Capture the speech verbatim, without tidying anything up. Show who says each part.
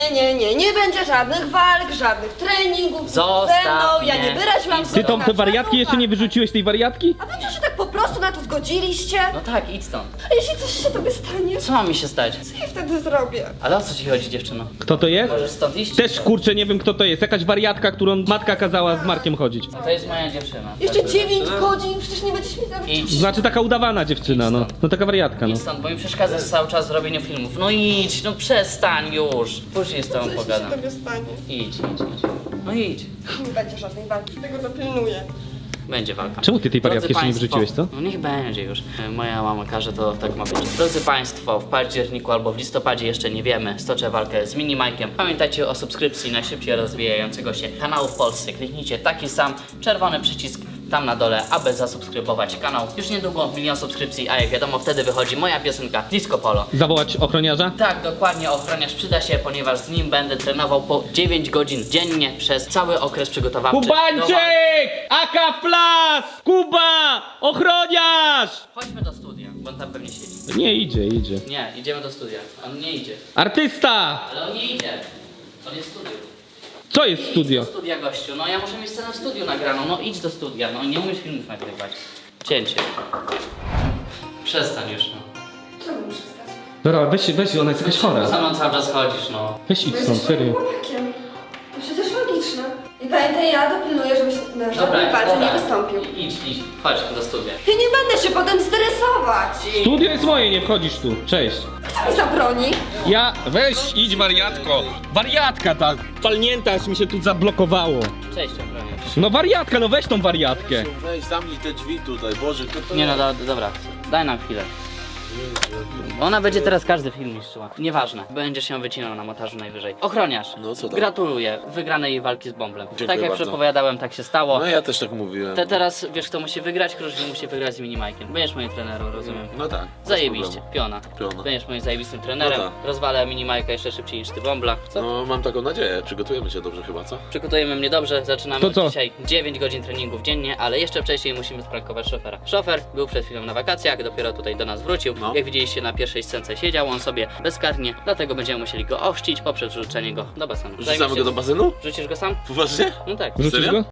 Speaker 1: Nie, nie, nie będzie żadnych walk, żadnych treningów
Speaker 2: Zostaw
Speaker 1: ze mną, ja
Speaker 2: mnie.
Speaker 1: nie wyraziłam
Speaker 3: Ty tą te wariatki jeszcze nie wyrzuciłeś tej wariatki?
Speaker 1: A wy co się tak po prostu na to zgodziliście?
Speaker 2: No tak, idź stąd.
Speaker 1: A jeśli coś się tobie stanie,
Speaker 2: Co ma mi się stać?
Speaker 1: co ja wtedy zrobię?
Speaker 2: Ale o co ci chodzi, dziewczyno?
Speaker 3: Kto to jest?
Speaker 2: Możesz stąd iść?
Speaker 3: Też kurczę nie wiem kto to jest. Jakaś wariatka, którą matka kazała z Markiem chodzić.
Speaker 2: To jest moja dziewczyna.
Speaker 1: Jeszcze dziewięć godzin, przecież nie będziesz mi tam...
Speaker 2: Idź.
Speaker 3: Znaczy taka udawana dziewczyna, no. No taka wariatka, no.
Speaker 2: Idź stąd, bo mi przeszkadzasz cały czas w robieniu filmów. No idź, no przestań już. Później z tobą
Speaker 1: Co się
Speaker 2: pogadam.
Speaker 1: tobie stanie?
Speaker 2: Idź, idź, idź. No idź.
Speaker 1: Nie będzie żadnej walki, tego dopilnuję.
Speaker 2: Będzie walka.
Speaker 3: Czemu ty tej wariatki
Speaker 2: Drodzy
Speaker 3: jeszcze nie
Speaker 2: państwo,
Speaker 3: wyrzuciłeś, co?
Speaker 2: No niech będzie już. Moja mama każe, to tak ma być. Drodzy Państwo, w październiku albo w listopadzie jeszcze nie wiemy, stoczę walkę z Mini Majkiem. Pamiętajcie o subskrypcji najszybciej rozwijającego się kanału w Polsce. Kliknijcie taki sam czerwony przycisk tam na dole, aby zasubskrybować kanał. Już niedługo milion subskrypcji, a jak wiadomo wtedy wychodzi moja piosenka Disco Polo.
Speaker 3: Zawołać ochroniarza?
Speaker 2: Tak, dokładnie, ochroniarz przyda się, ponieważ z nim będę trenował po dziewięć godzin dziennie przez cały okres przygotowawczy. do walki.
Speaker 3: Kubańczyk! Aka Flas! Kuba! Ochroniarz!
Speaker 2: Chodźmy do studia, bo on tam pewnie siedzi.
Speaker 3: Nie idzie, idzie.
Speaker 2: Nie, idziemy do studia. On nie idzie.
Speaker 3: Artysta!
Speaker 2: Ale on nie idzie. On jest w studiu.
Speaker 3: Co jest
Speaker 2: Idź
Speaker 3: studio?
Speaker 2: do studia, gościu. No ja muszę mieć scenę w studiu nagraną. No idź do studia. No nie umiesz filmów nagrywać. Cięcie. Przestań już, no.
Speaker 1: Co muszę stać?
Speaker 3: Dobra, weź, weź, ona jest jakaś chora.
Speaker 2: Za mną cały czas chodzisz, no.
Speaker 3: Weź idź stąd, serio.
Speaker 1: chłopakiem. To przecież logiczne. I pamiętaj, ja dopilnuję, żebyś na żadnej
Speaker 2: Dobra,
Speaker 1: walce
Speaker 2: dobra.
Speaker 1: nie wystąpił.
Speaker 2: Idź, idź. Chodź do studia.
Speaker 1: I nie będę się potem stresować.
Speaker 3: Studio jest moje, nie wchodzisz tu. Cześć.
Speaker 1: Kto mi zabroni?
Speaker 3: Ja, weź, idź wariatko. Wariatka ta, palnięta, aż mi się tu zablokowało.
Speaker 2: Cześć, ochroniarz.
Speaker 3: No wariatka, no weź tą wariatkę.
Speaker 4: Weź, zamknij te drzwi tutaj, Boże, kto to
Speaker 2: Nie no, do, dobra. Daj nam chwilę. Ona będzie teraz każdy film niszczyła. Nieważne. Będziesz się wycinał na montażu najwyżej. Ochroniarz.
Speaker 4: No co tam?
Speaker 2: Gratuluję wygranej jej walki z Bąblem.
Speaker 4: Dziękuję
Speaker 2: tak jak
Speaker 4: bardzo.
Speaker 2: przepowiadałem, tak się stało.
Speaker 4: No ja też tak mówiłem.
Speaker 2: Te teraz wiesz kto musi wygrać? Kruszwil musi wygrać z Minimajkiem. Będziesz moim trenerem, rozumiem.
Speaker 4: No tak. bez
Speaker 2: Zajebiście,
Speaker 4: problemu.
Speaker 2: piona.
Speaker 4: Piona.
Speaker 2: Będziesz moim zajebistym trenerem.
Speaker 4: No tak.
Speaker 2: Rozwalę Minimajka jeszcze szybciej niż ty Bąbla. Co?
Speaker 4: No mam taką nadzieję, przygotujemy się dobrze chyba, co?
Speaker 2: Przygotujemy mnie dobrze, zaczynamy
Speaker 3: To co?
Speaker 2: od dzisiaj dziewięć godzin treningów dziennie, ale jeszcze wcześniej musimy sprankować szofera. Szofer był przed chwilą na wakacjach, dopiero tutaj do nas wrócił.
Speaker 4: No.
Speaker 2: Jak widzieliście na pierwszej scence siedział on sobie bezkarnie, dlatego będziemy musieli go ochrzcić poprzez wrzucenie go do basenu.
Speaker 4: Wrzucamy go do basenu?
Speaker 2: Wrzucisz go sam?
Speaker 4: Poważnie?
Speaker 2: No tak.
Speaker 3: Rzucisz
Speaker 4: Serio?
Speaker 3: go?